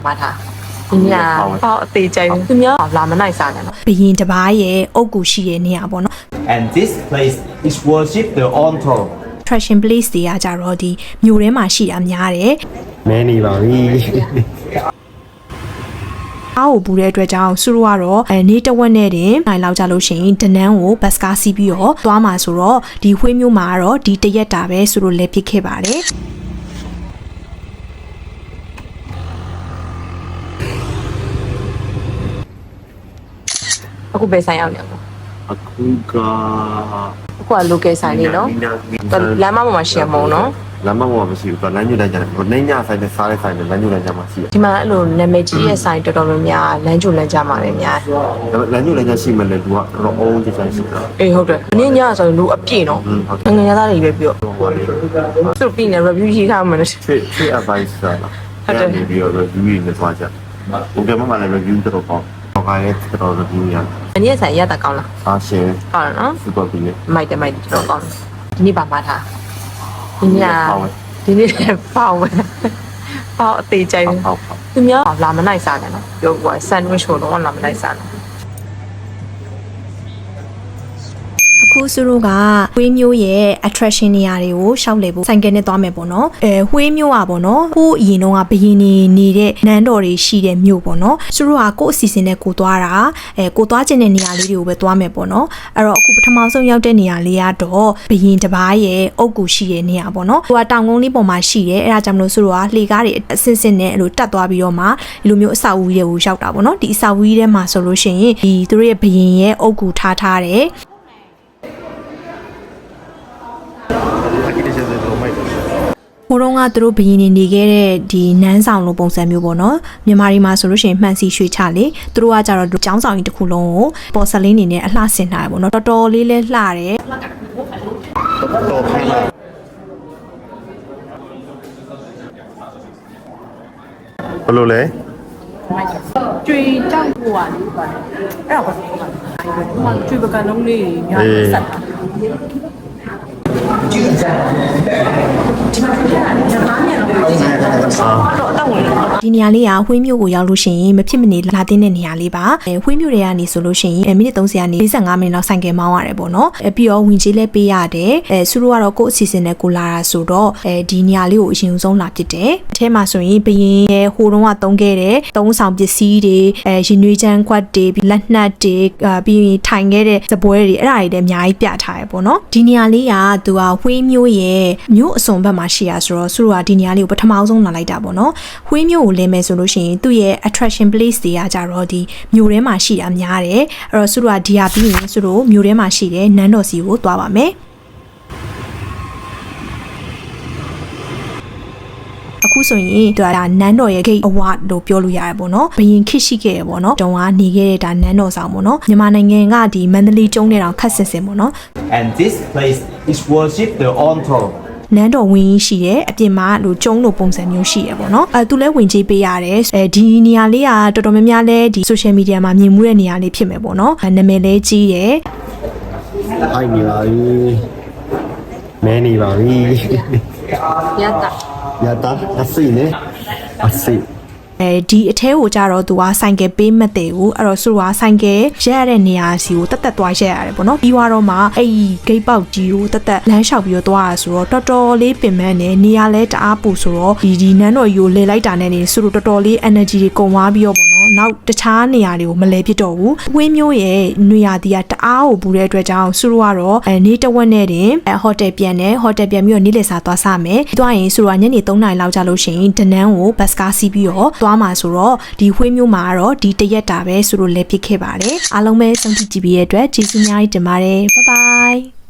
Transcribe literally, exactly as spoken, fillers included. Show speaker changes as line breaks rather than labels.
မှာထားဒီညဟောအသေးကြိုင်သူများလာမနိုင်စားနဲ့နော်ဘယင်တပားရဲ့အုတ်ကူရှိတဲ့နေရာပေါ့နော်
And this place is worship the altar
attraction place တွေကကြတော့ဒီမြို့ထဲမှာရှိတာများတယ်
မဲနေပါပြီ
အားကိုပူတဲ့အတွက်ကြောင့်စုရောကတော့အဲနေတဝက်နဲ့တင်နိုင်လောက်ကြလို့ရှိရင်ဒနန်းကိုဘတ်စကားစီးပြီးတော့သွားမှာဆိုတော့ဒီခွေးမျိုးမှာကတော့ဒီတရက်တာပဲဆိုလို့လဲဖြစ်ခဲ့ပါတယ်အခုပဲဆိုင်ရောက်နေပါ
အခုက
အခုက local ဆိုင်လေးနော်လမ်းမပေါ်မှာရှယ်မုံနော်
လမ်းမပေါ်မှာမရှိဘူး။လမ်းညွှန်လိုက်ကြတယ်။နှိမ့်ညဆိုင်နဲ့စားတဲ့ဆိုင်နဲ့လမ်းညွှန်လိုက်ကြမှာရှိတယ်
။ဒီမှာအဲ့လိုနာမည်ကြီးရဲ့ဆိုင်တော်တော်များများလမ်းညွှန်လိုက်ကြမှာလည်းများတယ်
။လမ်းညွှန်လိုက်ကြရှိမှလည်းလူကတော့အုံးကြီးဆိုင်ရှိတာ
။အေးဟုတ်တယ်။နင်းညဆိုရင်လူအပြည့်နော်။ငငယ်သားတွေပဲပြော။သူပြီးနေ review ရေးထားမှလည်း
fit fit advice လား။ဟုတ်တယ်။ပြီးတော့ review ရေးနေသွားကြ။ဘုကမှလည်း review တော့ပေါ့။ဘာကလည်းတော်တော် review ရ
။အနည်းဆိုင်ရတာကောင်းလား
။အားရှယ်
။ဟုတ်နော်
။ super ပြီးလေ
။မိုက်တယ်မိုက်တယ်တော်ကောင်း။ဒီနေ့ပါမှာထား။ဒီနေ့ဒီနေ့ပေါက်ပဲပေါက်အသေးကြိုင်သူများလာမနိုင်စားနဲ့နော်ပြောကွာ sandwich ကိုတော့လာမနိုင်စားနဲ့အခုစုတို့ကဝေးမျိုးရဲ့ attraction နေရာတွေကိုရှောက်လေဖို့ဆိုင်ကယ်နဲ့သွားမယ်ပေါ့နော်အဲဝေးမျိုးอ่ะပေါ့နော်ကိုအရင်တော့ကဘယင်းနေနေတဲ့နန်းတော်တွေရှိတဲ့မြို့ပေါ့နော်စုတို့ကကိုအစီအစဉ်နဲ့ကိုသွားတာအဲကိုသွားခြင်းတဲ့နေရာလေးတွေကိုပဲသွားမယ်ပေါ့နော်အဲ့တော့အခုပထမဆုံးရောက်တဲ့နေရာလေးကတော့ဘယင်းတပားရဲ့အုတ်ကူရှိတဲ့နေရာပေါ့နော်ဟိုကတောင်ကုန်းလေးပေါ်မှာရှိတယ်အဲ့ဒါကြောင့်မလို့စုတို့ကလှေကားတွေအစင်စင်နဲ့အဲ့လိုတက်သွားပြီးတော့မှဒီလိုမျိုးအဆောက်အဦတွေကိုရောက်တာပေါ့နော်ဒီအဆောက်အဦထဲမှာဆိုလို့ရှိရင်ဒီသူတို့ရဲ့ဘယင်းရဲ့အုတ်ကူထားထားတယ်ဟိုတော့ကသူတို့ဘယင်းနေနေခဲ့တဲ့ဒီနန်းဆောင်လိုပုံစံမျိုးပေါ့နော်မြန်မာပြည်မှာဆိုလို့ရှိရင်မှန်စီရွှေချလေသူတို့ကကြတော့ကျောင်းဆောင်ကြီးတစ်ခုလုံးကိုပေါ်ဆလင်းနေနဲ့အလှဆင်ထားရပေါ့နော်တော်တော်လေးလဲလှတယ်
တော်ခိုင်းလာဘယ်လိုလဲ
ကျွေကြောက်ဖို့อ่ะလေအဲ့ဒါဘာလို့လဲကျွေပကံလုံးလေးညာဆက်တာ
ဒီနေရာလေးကဝှေးမြို့ကိုရောက်လို့ရှိရင်မဖြစ်မနေလာတဲ့နေရာလေးပါအဲဝှေးမြို့တွေကနေဆိုလို့ရှိရင်မိနစ်သုံးဆယ်ကနေ၄၅မိနစ်လောက်ဆိုင်ကယ်မောင်းရတယ်ပေါ့နော်အဲပြီးတော့ဝင်ကြီးလဲပေးရတယ်အဲသူတို့ကတော့ကိုယ့်အစီအစဉ်နဲ့ကိုလာတာဆိုတော့အဲဒီနေရာလေးကိုအရင်ဆုံးလာဖြစ်တယ်အထဲမှာဆိုရင်ဘယင်းရဲ့ဟိုတုန်းကတုံးခဲ့တဲ့သုံးဆောင်ပစ္စည်းတွေအဲရင်နွေးချမ်းခွက်တွေလက်နှက်တွေပြီးရင်ထိုင်ခဲ့တဲ့စပွဲတွေအဲ့ဒါတွေလည်းအများကြီးပြထားရပေါ့နော်ဒီနေရာလေးကသူကဝှေးမြို့ရဲ့မြို့အစွန်ဘက်မှာရှိရဆိုတော့သူတို့ကဒီနေရာလေးကိုပထမဆုံးလာလိုက်တာပေါ့နော်ဝှေးမြို့ကိုလင်းမယ်ဆိုလို့ရှိရင်သူ့ရဲ့ attraction place တွေကကြတော့ဒီမြို့ထဲမှာရှိတာများတယ်အဲ့တော့သူတို့ကဒီဟာပြီးရင်သူတို့မြို့ထဲမှာရှိတဲ့နန်းတော်စီကိုသွားပါမယ်အခုဆိုရင်သူကဒါနန်းတော်ရဲ့ gate award လို့ပြောလို့ရတယ်ပေါ့နော်ဘယင်ခစ်ရှိခဲ့ရပေါ့နော်တုံကနေခဲ့တဲ့ဒါနန်းတော်ဆောင်ပေါ့နော်မြန်မာနိုင်ငံကဒီမန္တလေးကျုံးတဲ့တောင်ခက်ဆင်ဆင်ပေါ့နော်
And this place is worship the altar
နန်းတော်ဝင်ရှိတယ်အပြင်မှာလိုကျုံးလိုပုံစံမျိုးရှိရပေါ့နော်အဲသူလဲဝင်ကြီးပေးရတယ်အဲဒီနေရာလေးကတော်တော်များများလဲဒီ social media မှာမြင်မှုတဲ့နေရာလေးဖြစ်မယ်ပေါ့နော်နာမည်လဲကြီးတယ်
ဟိုက်နေပါပြီမဲနေပါပြီ
ရတာ
ရတာအစိနေအစိ
အဲဒီအထဲကိုကြတော့သူကဆိုင်ကယ်ပေးမတဲ့ဘူးအဲ့တော့သူကဆိုင်ကယ်ရက်ရတဲ့နေရာစီကိုတက်တက်သွားရက်ရတယ်ပေါ့နော်ပြီးတော့မှအဲ့ဒီဂိတ်ပေါက်ကြီးကိုတက်တက်လမ်းလျှောက်ပြီးတော့သွားရဆိုတော့တော်တော်လေးပင်ပန်းနေနေရာလဲတအားပူဆိုတော့ဒီဒီနန်းတော်ကြီးကိုလဲလိုက်တာနဲ့နေသူတို့တော်တော်လေး energy တွေကုန်သွားပြီးတော့ပေါ့နော်နောက်တခြားနေရာတွေကိုမလဲဖြစ်တော့ဘူးဝင်းမျိုးရဲ့နေရာတီးကတအားကိုပူတဲ့အတွက်ကြောင့်သူတို့ကတော့အဲနေတဝက်နဲ့တင်အဲဟိုတယ်ပြန်တယ်ဟိုတယ်ပြန်ပြီးတော့နေ့လည်စာသွားစားမယ်သွားရင်သူတို့ကညနေသုံးနာရီလောက်ကြာလို့ရှိရင်ဒနန်းကိုဘတ်စကားစီးပြီးတော့သွားမှာဆိုတော့ဒီဝှေးမျိုးမှာကတော့ဒီတရက်တာပဲဆိုလို့လဲဖြစ်ခဲ့ပါတယ်အားလုံးပဲစောင့်ကြည့်ကြည့်ပြီးရတဲ့အတွက်ကျေးဇူးများကြီးတင်ပါတယ်ဘိုင်ဘိုင်